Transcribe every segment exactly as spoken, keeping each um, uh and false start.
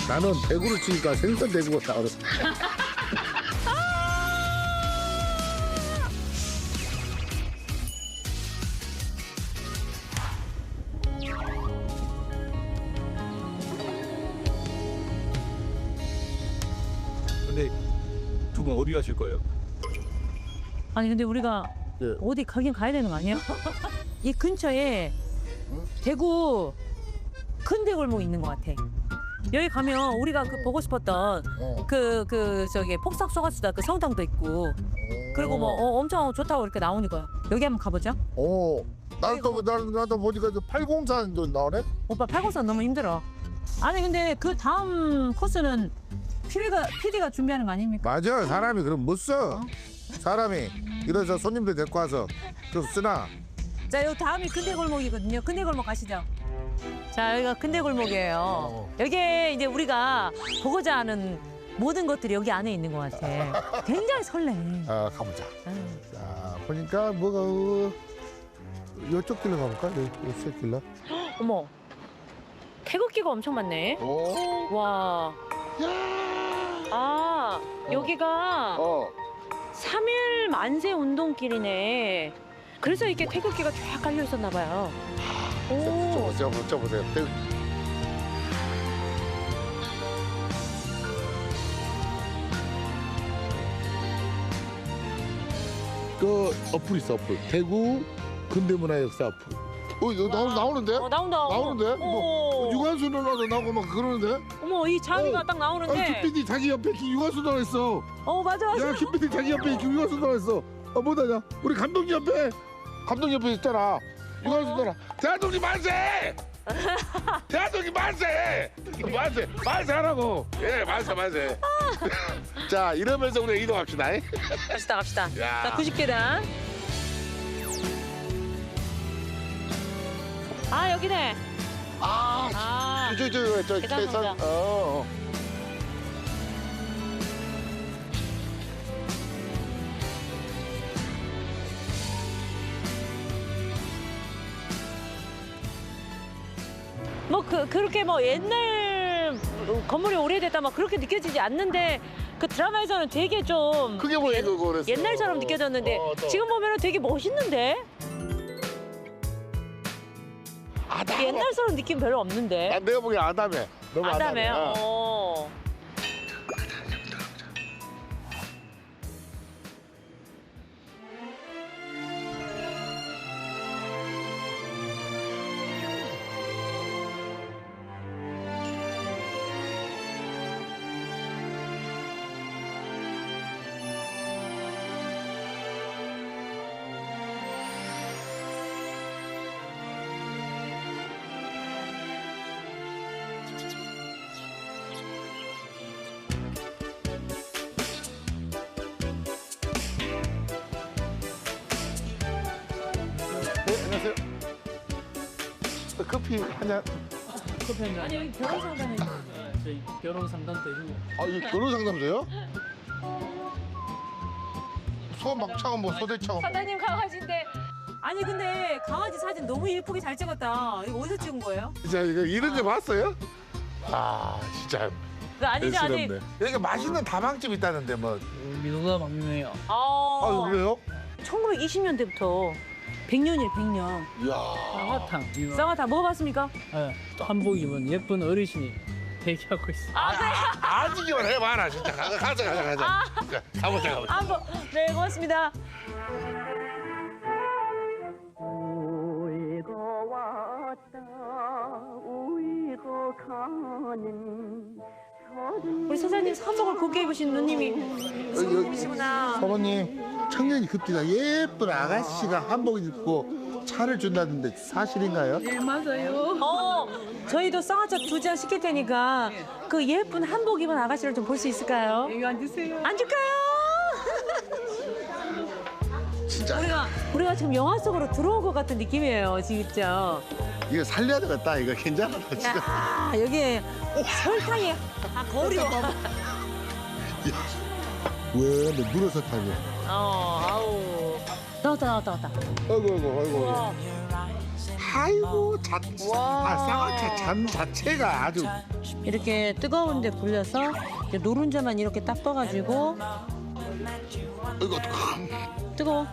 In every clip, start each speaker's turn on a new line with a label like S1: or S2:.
S1: 나는 대구를 치니까 생선 대구가 나오겠어.
S2: 근데 두 분 어디 가실 거예요?
S3: 아니 근데 우리가
S1: 예.
S3: 어디 가긴 가야 되는 거 아니야? 이 근처에 대구 큰 대골목 있는 것 같아. 여기 가면 우리가 그 보고 싶었던
S1: 어.
S3: 그 그 저기 폭삭 소가수다 그 성당도 있고 그리고 뭐 어, 엄청 좋다고 이렇게 나오니까 여기 한번 가보자.
S1: 어. 나도 나도 나도 보니까 저 팔공산도 나오네.
S3: 오빠 팔공산 너무 힘들어. 아니 근데 그 다음 코스는 피디가 피디가 준비하는 거 아닙니까?
S1: 맞아. 사람이 그럼 못 써. 사람이 이래서 손님들 데리고 와서 좀 쓰나.
S3: 자, 여기 다음이 근대골목이거든요. 근대골목 가시죠. 자, 여기가 근대골목이에요.
S1: 어.
S3: 여기에 이제 우리가 보고자 하는 모든 것들이 여기 안에 있는 것 같아. 굉장히 설레.
S1: 아 가보자.
S3: 아유.
S1: 자 보니까 뭐가 어, 이쪽 길로 가볼까? 이쪽 길로.
S3: 어머, 태극기가 엄청 많네.
S1: 오.
S3: 와. 아, 여기가
S1: 어.
S3: 삼일 만세 운동길이네. 그래서 이렇게 태극기가 쫙 깔려 있었나 봐요. 오.
S1: 저보저 보세요. 그 어플 있어 어플. 대구 근대문화역사 어플. 어 이거 나오, 나오는데?
S3: 어, 나온다.
S1: 나오는데?
S3: 어.
S1: 뭐 유관순 누나도 나오고 막 그러는데?
S3: 어머, 이 장이가
S1: 어.
S3: 딱
S1: 아
S3: 나오는데.
S1: 김피디 자기 옆에 기- 유관순 누나 있어.
S3: 어, 맞아, 맞아.
S1: 야 김피디 자기 옆에 기- 유관순 누나 있어. 어 뭐다냐? 우리 감독님 옆에 감독님 옆에 있잖아. 유관순 누나. 대한독립 만세! 대한독립 만세! 만세! 만세 하라고. 예 만세 만세. 자 이러면서 우리 이동합시다.
S3: 갑시다, 갑시다.
S1: 야.
S3: 자, 구십 계단. 아, 여기네.
S1: 아,
S3: 아,
S1: 저, 저, 저,
S3: 계단
S1: 계산,
S3: 상자.
S1: 어, 어.
S3: 뭐, 그, 그렇게 뭐 옛날 건물이 오래됐다 막 그렇게 느껴지지 않는데 그 드라마에서는 되게 좀
S1: 그게 뭐 이거 그랬어.
S3: 옛날처럼 느껴졌는데
S1: 어, 또.
S3: 지금 보면은 되게 멋있는데?
S1: 아, 나,
S3: 옛날처럼 느낌 별로 없는데?
S1: 아, 내가 보기엔 아담해. 너무 아담해.
S3: 아담해요?
S1: 어.
S3: 어.
S1: 네, 안녕하세요. 어, 커피 한 잔.
S4: 커피 한 잔.
S3: 아니 여기 결혼 상담이
S4: 아, 저희 결혼 상담도 해주고.
S1: 아, 이거 결혼 상담소요? 소막차가 뭐 소대차가 뭐.
S3: 사장님 강아지인데 아니 근데 강아지 사진 너무 예쁘게 잘 찍었다. 이거 어디서 찍은 거예요?
S1: 진짜 이거 이런 거 봤어요? 아, 진짜.
S3: 그 아니지 아니.
S1: 대수롭네. 여기 맛있는 다방집 있다는데 뭐.
S4: 민호가 막 유명해요.
S3: 아,
S1: 아, 그래요?
S3: 천구백이십 년대부터 백 년이래 백 년.
S1: 이야.
S4: 쌍화탕 유명.
S3: 쌍화탕 먹어봤습니까?
S4: 예, 한복 입은 예쁜 어르신이 대기하고 있어.
S3: 아 그래?
S1: 아직이만 해봐라, 진짜. 가자, 가자, 가자. 가자. 자, 가보자, 가보자.
S3: 한번 네 고맙습니다.
S5: 울고 왔다 울고 가는
S3: 우리 사장님 사복을 곱게 입으신 누님이
S1: 여기, 여기.
S3: 이시구나.
S1: 사모님, 청년이 급디가 예쁜 아가씨가 한복 입고 차를 준다는데 사실인가요?
S5: 네 맞아요.
S3: 어, 저희도 쌍화차 두 잔 시킬 테니까 그 예쁜 한복 입은 아가씨를 좀 볼 수 있을까요?
S5: 이거 앉으세요.
S3: 앉을까요?
S1: 진짜
S3: 우리가 우리가 지금 영화 속으로 들어온 것 같은 느낌이에요, 진짜.
S1: 이거 살려야 되겠다. 이거 괜찮아, 진짜.
S3: 야, 여기 설탕이 아 거리가.
S1: 왜? 너 물어서 타고.
S3: 어, 아우. 나왔다, 나왔다, 나왔다.
S1: 아이고, 아이고, 아이고.
S3: 우와.
S1: 아이고, 잣. 아 쌍화차 잔 자체가 아주
S3: 이렇게 뜨거운데 불려서 이렇게 노른자만 이렇게 딱 떠가지고
S1: 이거
S3: 뜨거워.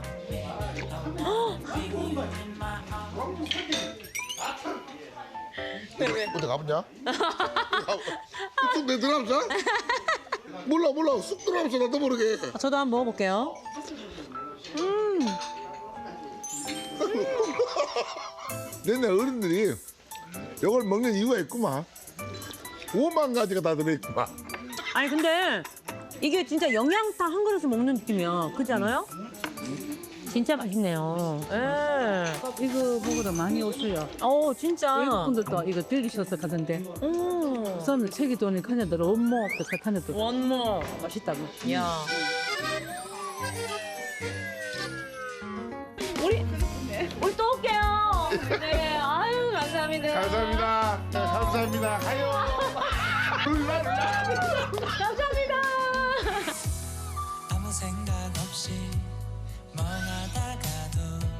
S1: 어디 가보냐? 쑥 내 들어가면서? 몰라 몰라 쑥 들어가면서 나도 모르게.
S3: 저도 한번 먹어볼게요.
S1: 옛날 어른들이 이걸 먹는 이유가 있구만. 오만 가지가 다 들어있구만.
S3: 아니 근데 이게 진짜 영양탕 한 그릇을 먹는 느낌이야. 그렇지 않아요? 진짜 맛있네요. 예.
S4: 이거 먹으러 많이 오세요.
S3: 어 진짜.
S4: 외국 분들도 이거 들리셔서 가던데.
S3: 음.
S4: 우선 책이 돈이 가냐들 엄마 그 사탄에도
S3: 원모.
S4: 맛있다고.
S3: 야. 우리 우리 또 올게요. 네. 아유 감사합니다.
S1: 감사합니다. 네, 감사합니다. 가요. 룰라 룰라.
S3: 감사합니다.
S6: 아무 생각 없이 멍하다가도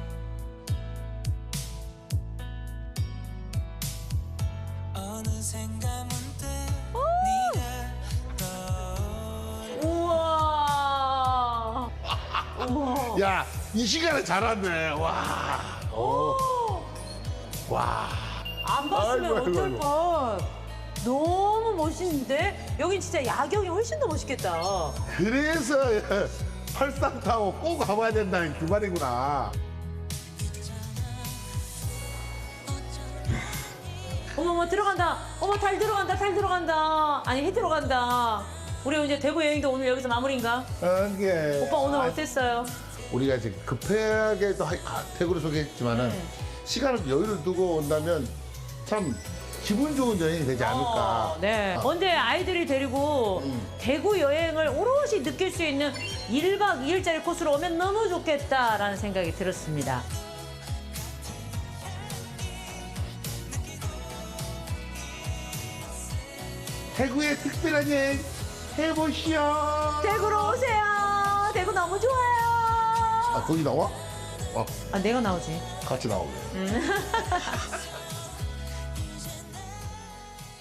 S6: 어느샌가 문득 네가 떠오르
S3: 우와. 우와.
S1: 야, 이 시간에 잘 왔네. 와. 오. 와.
S3: 안 봤으면
S1: 아이고, 아이고,
S3: 어쩔
S1: 아이고.
S3: 뻔. 너무 멋있는데? 여긴 진짜 야경이 훨씬 더 멋있겠다.
S1: 그래서 팔상 타고 꼭 가봐야 된다는 그 말이구나.
S3: 어머머 들어간다. 어머 달 들어간다. 달 들어간다. 아니 해 들어간다. 우리 이제 대구 여행도 오늘 여기서 마무리인가?
S1: 어, 이게
S3: 오빠 오늘 어땠어요?
S1: 우리가 지금 급하게 또 하- 아, 대구를 소개했지만은
S3: 네.
S1: 시간을 여유를 두고 온다면 참 기분 좋은 여행이 되지 않을까.
S3: 어, 네.
S1: 아.
S3: 언제 아이들이 데리고 대구 여행을 오롯이 느낄 수 있는 일 박 이 일짜리 코스로 오면 너무 좋겠다라는 생각이 들었습니다.
S1: 대구의 특별한 여행 해보시오.
S3: 대구로 오세요. 대구 너무 좋아요.
S1: 아 거기 나와? 어
S3: 아 내가 나오지.
S1: 같이 나오게.